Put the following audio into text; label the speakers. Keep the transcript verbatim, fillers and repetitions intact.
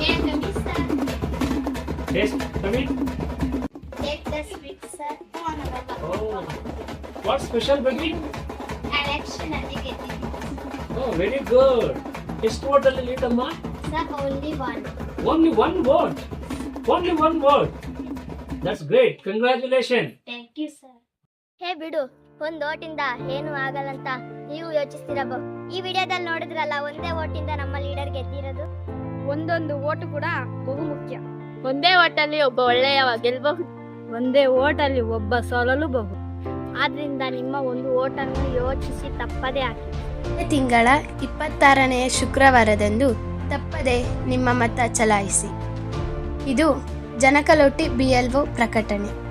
Speaker 1: May I come in, sir?
Speaker 2: Yes, come in.
Speaker 1: Take the sweet, sir.
Speaker 2: Oh, what special, baby?
Speaker 1: Election ಅಲ್ಲಿ ಗೆದ್ದಿದ್ದೀನಿ.
Speaker 2: Oh, very good. ಎಷ್ಟು vote ಅಲ್ಲಿ lead ಅಮ್ಮ?
Speaker 1: Sir, only one.
Speaker 2: Only one vote. Only one vote. That's great. Congratulations.
Speaker 1: Thank you, sir.
Speaker 3: ಹೇ ಬಿಡು, ಒಂದ್ ಓಟಿಂದ ಏನು ಆಗಲ್ಲಂತ ನೀವು ಯೋಚಿಸ್ತಿರಬಹುದು. ಈ ವಿಡಿಯೋದಲ್ಲಿ ನೋಡಿದ್ರಲ್ಲ, ಒಂದೇ ಓಟಿಂದ ನಮ್ಮ ಲೀಡರ್ ಗೆದ್ದಿರೋದು.
Speaker 4: ಒಂದೊಂದು ಓಟು ಕೂಡ ಬಹು ಮುಖ್ಯ.
Speaker 5: ಒಂದೇ ಓಟಲ್ಲಿ ಒಬ್ಬ ಒಳ್ಳೆಯವ ಗೆಲ್ಲಬಹುದು,
Speaker 4: ಒಂದೇ ಓಟಲ್ಲಿ ಒಬ್ಬ ಸೋಲಲೂಬಹುದು.
Speaker 3: ಆದ್ರಿಂದ ನಿಮ್ಮ ಒಂದು ಓಟನ್ನು ಯೋಚಿಸಿ ತಪ್ಪದೇ ಹಾಕಿ.
Speaker 6: ಈ ತಿಂಗಳ ಇಪ್ಪತ್ತಾರನೆಯ ಶುಕ್ರವಾರದಂದು ತಪ್ಪದೆ ನಿಮ್ಮ ಮತ ಚಲಾಯಿಸಿ. ಇದು ಜನಕಲೋಟಿ ಬಿ ಎಲ್ ಒ ಪ್ರಕಟಣೆ.